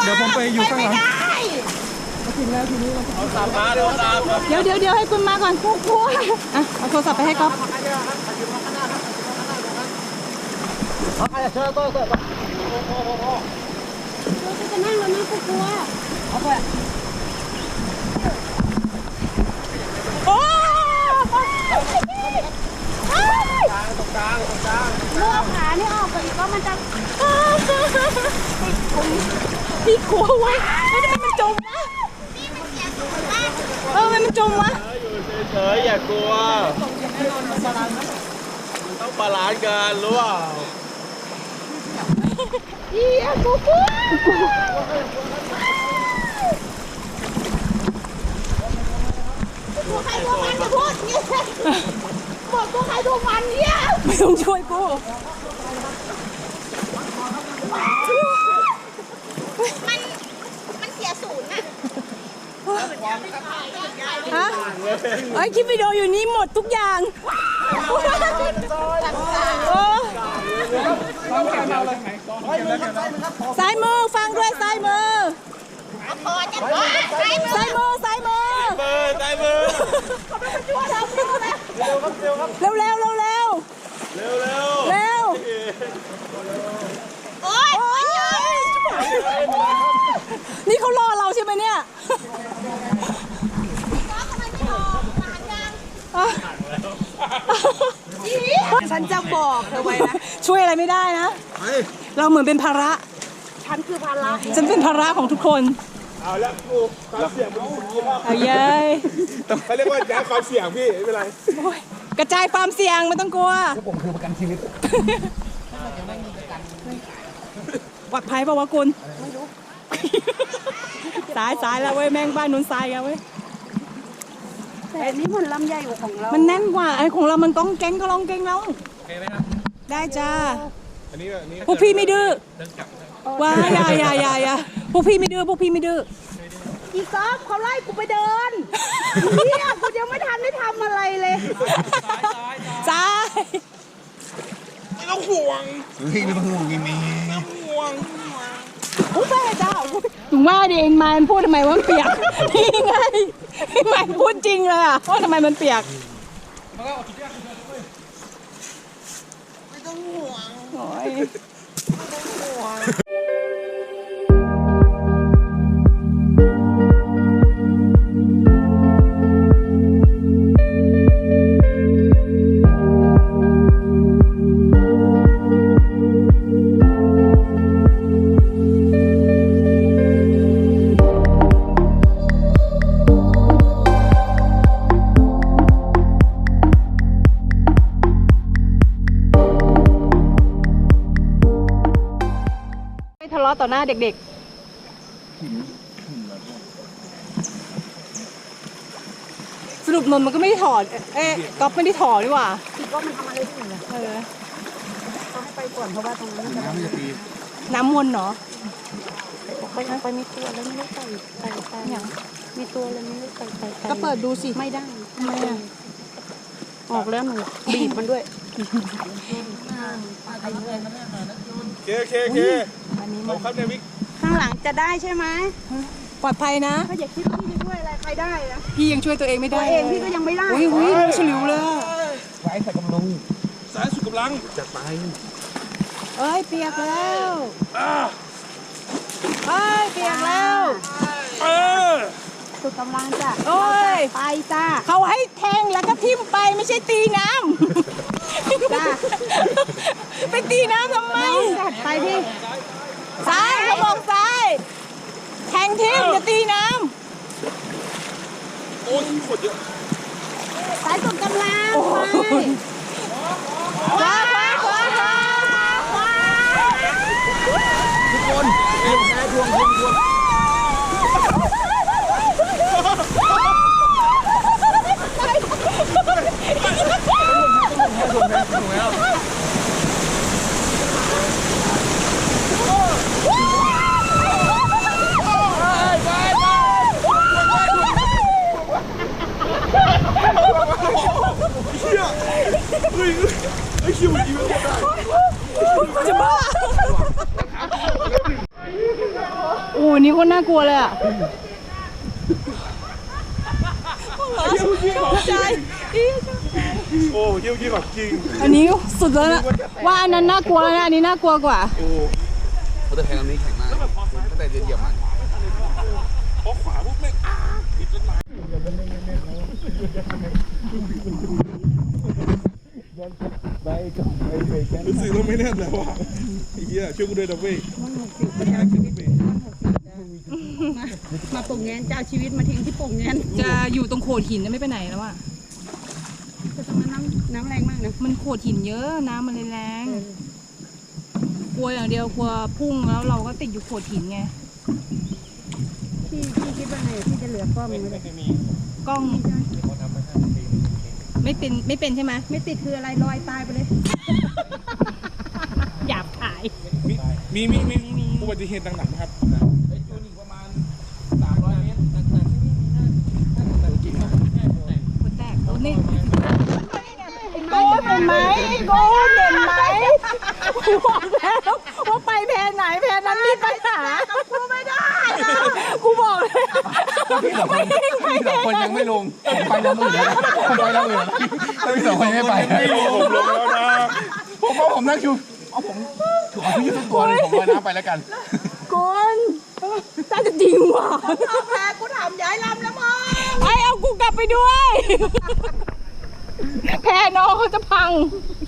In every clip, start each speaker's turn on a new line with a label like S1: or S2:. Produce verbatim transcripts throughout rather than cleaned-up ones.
S1: ดี๋ยวผมไปอยู่ข้างหลังถึงแล้วทีนี้เดี๋ยวเดี๋ยวเดี๋ยวให้คุณมาก่อนพวกพวกอ่ะเอาโทรศัพท์ไปให้ก๊อฟ
S2: จะนั่งแล้วนะกลัวเอาไป
S1: โอ้
S2: ตรงกลางตรงกลางเลือกขานี่ออกไปอีกก็มันจะ
S1: พี่กลัวไว้ไม่ได้มันจมวะเออมันจมวะ
S3: อยู่เฉยๆอย่ากลัวมันต้องบาลานซ์กันรู้เปล่า
S2: เอียกูกลัวตัวใครตัวมันจะพูดเนี่ยบอกตัวใครตัวมันเนี่ย
S1: ไม่ต้องช่วยกู
S2: มันมันเสียศูนย์อะ
S1: ฮะไอ้คลิปวิดีโออยู่นี้หมดทุกอย่างซ้ายมือฟังด้วยซ้ายมือ
S2: พอจะพอซ้ายมือ
S1: ซ้ายมือซ้ายมือ
S3: ซ้ายมือ
S2: เขาไม่มาช่วยเรา
S1: เร็วเร็วเร็วเร็ว
S3: เร็วเร็ว
S1: เร็ว
S2: โอ๊ย
S1: นี่เขารอเราใช่ไหมเนี่ย
S2: ฉันจะบอกเธอไว้นะ
S1: ช่วยอะไรไม่ได้นะเราเหมือนเป็นภาระ
S2: ฉันคือภาระ
S1: ฉันเป็นภาระของทุกคน
S3: เอาแล้วกูความเสี่ยงมันสูงมาก
S1: เอาเย้ย
S3: เขาเรียกว่าย้ายความเสี่ยงพี่ไม่เป็นไร
S1: กระจายความเสี่ยงไม่ต้องกลัว
S4: ผมคือประกันชีวิต
S1: ปลอดภัยป่าวะคุณไม่รู้สายสายแล้วเว้ยแม่งบ้านนู้นสายกันเว้ย
S2: แต่อันนี้มันลำใหญ่กว่าของเรา
S1: มันแน่นกว่าไอ้ของเรามันต้องเก่งก็ลองเก่งแล้ว
S3: โอเคไหมครับ
S1: ได้จ้า
S3: อันนี้อันนี้
S1: พวกพี่ไม่ดื้อว้าอย่าอย่าอย่าอย่าพวกพี่ไม่ดื้อพวกพี่ไม่ดื้อ
S2: อีกอฟเขาไล่กูไปเดินเนี่ยกูยังไม่ทันได้ทำอะไรเลย
S1: ซ้าย
S3: ไม่ต้องห่วง
S4: เฮ้ยไม่ต้องห่วงยังมี
S3: ห่วง
S1: อุ้ยแม่เจ้าถึงว่าดิเองมาพูดทำไมว่ามันเปียกนี่ไงพี่ใหม่พูดจริงเลยอ่ะว่าทำไมมันเปียก
S3: ไม่ต้องห่วง
S1: โอ้ย
S3: ไม่ต้องห่วง
S1: ทะเลาะต่อหน้าเด็กๆสรุปนนมันก็ไม่ได้ถอดเอ๊ะก๊อฟไม่ได้ถอดดีกว่า
S2: อีกอฟมันทำอะไรที่ไหนเออเขาให้ไปก่อนเพราะว่าตรงนี้
S4: น้ำจะตี
S1: น้ำวนเนาะ
S2: ไปไปมีตัวแล้วไม่ได้ใส่ใส่ใส่อย่างมีตัวแล้วไม่ได้ใส่ใส่
S1: ก็เปิดดูสิ
S2: ไม่ได้
S1: ทำไมอ่ะ
S2: ออกแล้วหนูบีบมันด้วย
S3: เคเคเคเราครับในวิก
S2: ข้างหลังจะได้ใช่ไหม
S1: ปลอดภัยนะ
S2: ถ้าอย่าคิดว่าพี่จะช่วยอะไรใครได้นะ
S1: พี่ยังช่วยตัวเองไม่ได้
S2: ตัวเองพี่ก็ยังไม่ได้
S1: อุ้ยอุ้ยฉลิวเลย
S4: ไว้ใส่กำลัง
S3: สายสุดกำลัง
S4: จัดไป
S1: เอ้ยเปียกแล้วเอ้ยเปียกแล้ว
S3: เออ
S2: สุดกำลังจ้ะ
S1: โอ้ย
S2: ไปจ้า
S1: เขาให้แทงแล้วก็ทิ่มไปไม่ใช่ตีน้ำ
S2: จ้า
S1: ไปตีน้ำทำไม
S2: จัดไปพี่
S1: ซ้ายเขาบอกซ้ายแทงทิ่มจะตีน้
S3: ำโอ้ยขวดเยอะ
S2: สายสุดกำลัง
S1: ไปว้าว้าว้าว้า
S4: ทุกคนเอ็มแพ้ทวงทวงทวง
S3: ไอ้คิวอีกไม่ได้
S1: จะบ้าโอ้วันนี้คนน่ากลัวเลยอ่ะชอบใจ
S3: โอ้เยี่ยมยี่แบบจริง
S1: อันนี้สุดแล้วนะว่าอันนั้นน่ากลัวแล้วนะอันนี้น่ากลัวกว่า
S3: โอ้
S4: เขาจะแทงอันนี้แข็งมากตั้งแต่เดียวเหยียบมัน
S3: พอขวาปุ๊บแม่งอ้าติดเป็นหมารู้สึกเราไม่แน่นแล้วว่ะไอ้เหี้ยช่วยกูด้วยนะเว้ย
S2: มาโป่งแงนจะเอาชีวิตมาทิ้งที่โป่งแงน
S1: จะอยู่ตรงโขดหินไม่ไปไหนแล้วอ่ะ
S2: จะต้องน้ำน้ำแรงมากนะ
S1: มันโขดหินเยอะน้ำมันเลยแรงกลัวอย่างเดียวกลัวพุ่งแล้วเราก็ติดอยู่โขดหินไง
S2: พี่พี่คิดว่าไงพี่จะเหลือกล้องไหมเลย
S1: กล้องไม่เป็นไม่เป็นใช่ไหม
S2: ไม่ติดคืออะไรลอยตายไปเลย
S1: หยาบขาย
S3: มีมีมีมีอุบัติเหตุต่างๆนะครับ
S4: ไอ้จูนอีกประมาณสามร้อยเมตรแต่แต่ที่นี่มีน่าจะจริงนะ
S1: คนแตกโอ้นี่โก้เห็นไหมโก้เห็นไหมกูบอกแล้วว่าไปแพนไหนแพนนั้นมีปัญหากูไม่ได้กูบอกเลย
S4: พี่สองคนพี่สองคนยังไม่ลงผมไปแล้วอื่นนะผมไปแล้วอื่นแล้วพี่สองคนไม่ไป
S3: ไม่รู้ผมลงแล้วนะ
S4: ผมว่าผมนั่งชูเอาผมถูกเอาพี่ทุกตัวเลยผมลอยน้ำไปแล้วกัน
S1: คนน่าจะจริงว่ะ
S2: เอาแพ้กูถามย้ายลำแล้วมั้ง
S1: ไอเอากูกลับไปด้วยแพน้องเขาจะพัง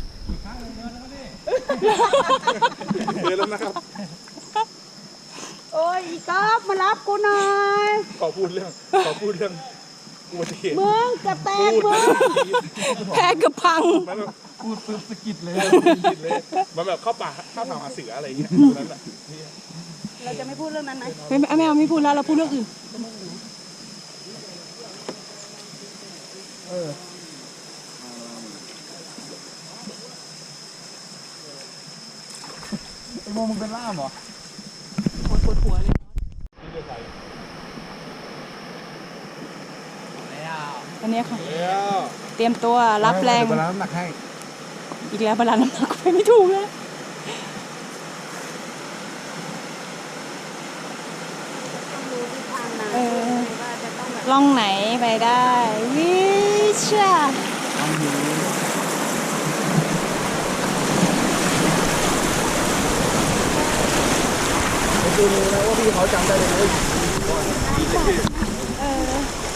S3: เดินแล้วนะครับ
S2: โอ้ยอีกอบมารับกูหน่อย
S3: ขอพูดเรื่องขอพูดเรื่องอุบัติเหตุ
S2: มึงกระแตกมึง
S1: แพ้กับพัง
S3: มันแบบ
S4: พูดปึ๊บสะกิดเลย
S3: ผิดเลยมันแบบเข้าป่าเข้าป่าหาเสืออะไรอย่างเงี้ยตรงนั้นแหละ
S2: เราจะไม่พูดเรื่องนั้นไหม
S1: ไม่ไม่ไม่เอาไม่พูดแล้วเราพูดเรื่องอื่น
S4: ไอ้โมมึงเป็นล่ามเหรอ
S1: ปวดปวดหัวเลยอันนี้ค่ะ
S3: แล้ว
S1: เตรียมตัวรับแรง
S4: เดี๋ยวน้ำหนักให้
S1: อีกแล้วบาลานซ์น้ำหนักไปไม่ถูกแล้ว
S2: ต้องรู้ทิศทางนะ
S1: เออ
S2: ว่าจะต้องแบบ
S1: ล่องไหนไปได้วิชา
S4: ไอ้จูนรู้นะว่าพี่เขาจำได้เลย
S1: เออ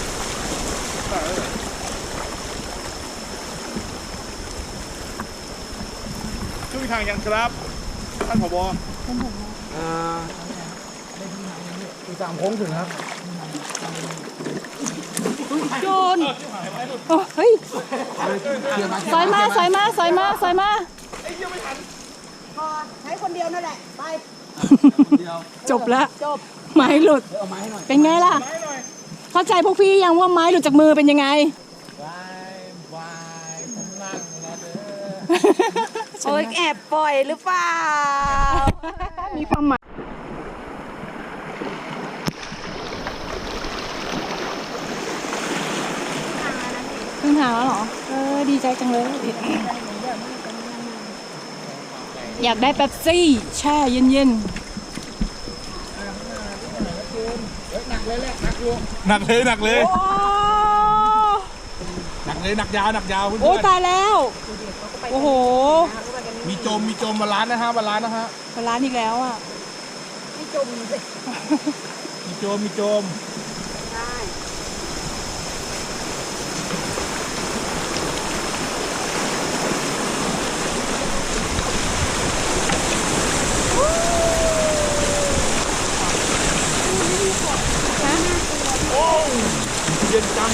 S3: ช่วยทางยังครับท่านผบ
S4: อ่าอีกสามโค้งถึงครับ
S1: โดนโอ้เฮ้ย
S4: เดี๋ยวมา
S1: ซอยมาซอยมาซอยมาซอยมา
S2: พอใช้คนเดียวนั่นแหละ ไป
S1: จบแล้ว
S2: จบ
S1: ไม้หลุด
S4: เอาไม้ให้หน่อย
S1: เป็นไงล่ะ เข้าใจพวกพี่ยังว่าไม้หลุดจากมือเป็นยังไง
S4: วายวายผมนั่งแล้วเด้อ
S2: โอ้ยแอบปล่อยหรือเปล่า
S1: มีความหมายเพิ่งหาแล้วเหรอ เออ ดีใจจังเลย อยากได้เป๊ปซี่ แช่เย็น
S3: หนักเลยหนักเลย
S1: ๆ โอ้
S3: หนักเลยหนักยาวหนักยาวเพื่
S1: โอ้
S3: อน
S1: ตายแล้ว โอ้โห
S3: ๆมีจมมีจมบาลานซ์นะฮะบาลานซ์นะฮะ
S1: ร้านอีกแล้วอ่ะ
S2: ไม่จมสิ
S3: มีจมมีจม
S2: ได้
S3: โอ้เย็นจัง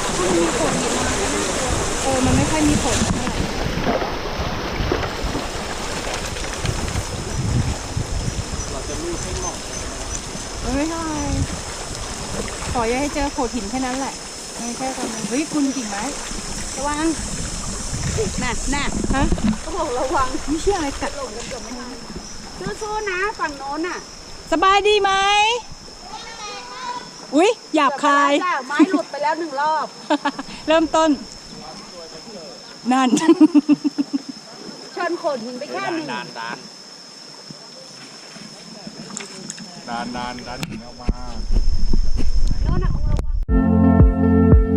S1: เออ มันไม่ค่อยมีผลเท่าไหร่เออไม่เท่าไหร่ขออย่าให้เจอโขดหินแค่นั้นแหละ ไม่ใช่ตอนนั้นเฮ้ย คุณกิ่งไม้
S2: ระวังน่ะน่ะ
S1: ฮะ
S2: ก็บอกระวัง
S1: ไม่เชื่ออะไรกัด
S2: สู้ๆนะฝั่งโน้นน่ะ
S1: สบายดีไหม อุ๊ย หยาบคาย
S2: จ้ะไม้หลุดไปแล้วหนึ่งรอบ
S1: เริ่มต้น นั่น
S2: ชนโขดหินไปแค่หนึ่ง
S3: ดานดานดดันดันดันหินออกมา
S2: โน่นน่ะมึงระวัง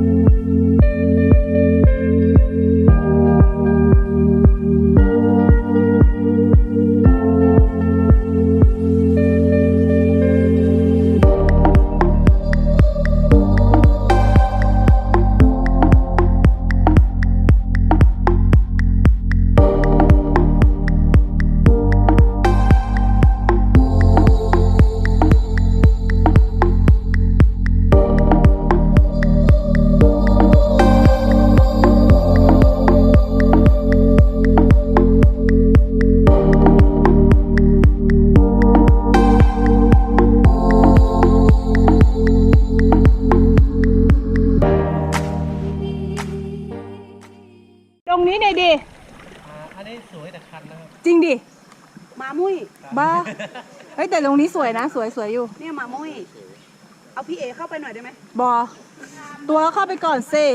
S1: ตรงนี้หน่อยดิ
S5: อันนี้สวยแต่คันนะครับ
S1: จริงดิ
S2: มามุ้ย
S1: บ้า เฮ้ยแต่ตรงนี้สวยนะ สวยสวยอยู่
S2: เนี่ยมามุ้ย เอาพี่เอเข้าไปหน่อยได้ไหม
S1: บอ ตัวเข้าไปก่อนสิ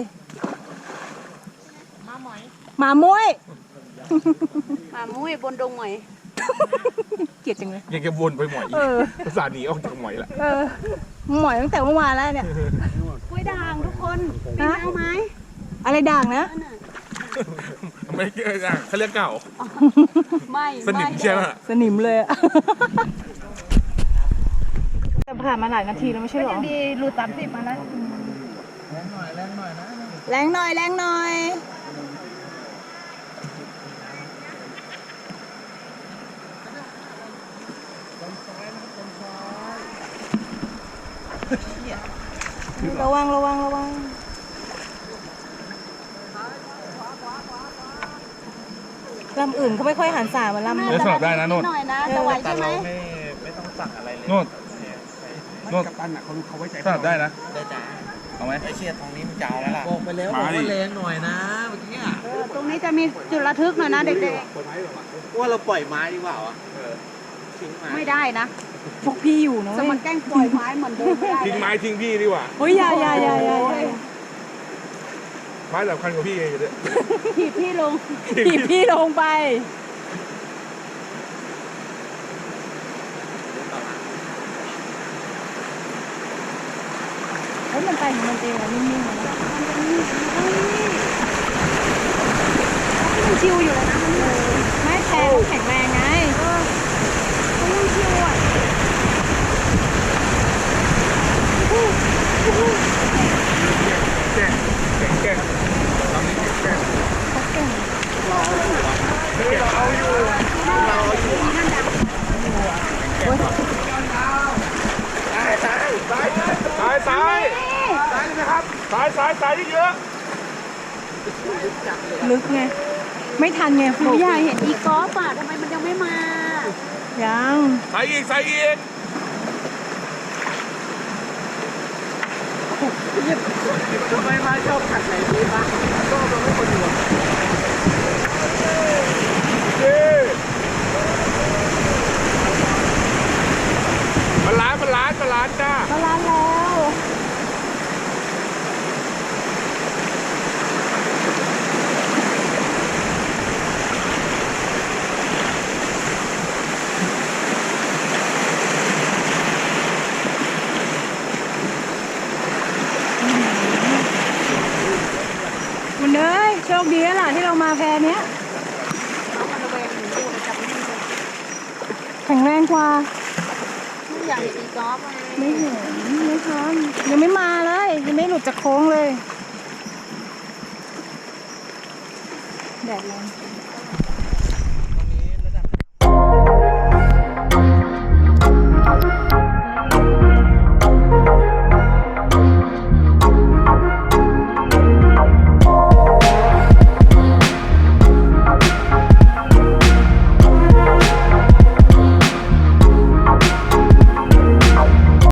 S1: หมามุ้ย
S2: มามุ้ยบนดงหมอย
S1: เกลียดจังเลย
S3: ยังจะวนไปหมอย
S1: เออ
S3: ภาษาหนีออกจากหมอยละ
S1: เออ หมอยตั้งแต่เมื่อวานแล้วเนี่ย
S2: กล้วยด่างทุกคนปีนเอาไหม
S1: อะไรด่างนะ
S2: นั่นน่ะ
S3: ไม่เกี่ยวกันเขาเรียกเก่า
S2: ไม่
S3: สนิมใช่ไหม
S1: สนิมเลยอะแต่ผ่านมาหลายนาทีแล้วไม่ใช่หรอ
S2: ดีรูดสามสิบมาแล้ว
S1: แรงหน่อย แรงหน่อย ระวังระวังระวังลำอื่นเขาไม่ค่อยหันสาเหมือนลำ
S3: เดี๋ยวสลับได้นะโน่น
S2: หน่อยนะจะไหว
S5: แต่
S2: ใช่ไหม
S5: เราไม่ไม่ต้องสั่งอะไรเลย
S3: โน่น
S5: เนี่ยใส่
S3: โน่น
S4: กัปตันอ่ะเขาเขาไว้ใจ
S3: สลับได้นะ
S5: ได้จ้า
S3: เอาไหม
S5: ไอเชียตรงนี้มันจะเอาแล้วล่ะ
S6: บอกไปแล้ว
S3: มา
S6: บอก
S3: ดิ
S6: ว่าแรงหน่อยนะเมื่อกี้อะ
S2: เออตรงนี้จะมีจุดระทึกหน่อยนะเด็ก
S6: ว่าเราปล่อยไม้ดีกว่าอ่ะทิ้งไม้
S2: ๆ ไม่ได้นะ
S1: พวกพี่อยู่นะ
S2: ส
S1: เว้
S2: มัน
S1: ย
S2: แกล้งปล่อยไม้เหมือนเดิมไม่ได้
S3: ทิ้งไม้ทิ้งพี่ดีกว่า
S1: เฮ้ยอย่าอย่าอย่าอย่าอย่า
S3: ไม้สำคัญกว่าพี่เองอยู่ด้วย
S2: ถีบพี่ลง
S1: ถีบพี่ลงไป เฮ้ยมันไปของมันเองอะนิ่งๆนะ
S2: มันชิวอยู่เลยนะมันเลย
S1: ไม่แพ้เขาแข็งแรงไง
S2: เขายังชิวอ่ะ
S3: แก่แก่แก่ทำนี้แก่
S1: เขาเก่ง
S3: แก่เอาอยู่ซ้ายซ้ายซ้ายซ้ายซ้ายนะครับซ้ายซ้ายซ้ายเยอะ
S1: ลึกไง ไม่ทันไง
S2: หนูอยากเห็นอีกอล์ฟอ่ะทำไมมันยังไม่มา
S1: ยัง
S3: ซ้ายอีกซ้ายอีก
S6: ทำไมไม้ชอบขัดไหนดีปะก็มันไม่คนอยู่
S3: เย้มันล้านมันล้านมันล้านจ้า
S1: มาล้านแล้ว มันเลยโชคดีแล้วล่ะที่เรามาแพเนี้ยแข็งแรงกว่า
S2: ไม่อยากเห็นอีกอล์ฟอ่ะ
S1: ไม่เห็นไม่ทันยังไม่มาเลย ยังไม่หลุดจากโค้งเลย แดดแรง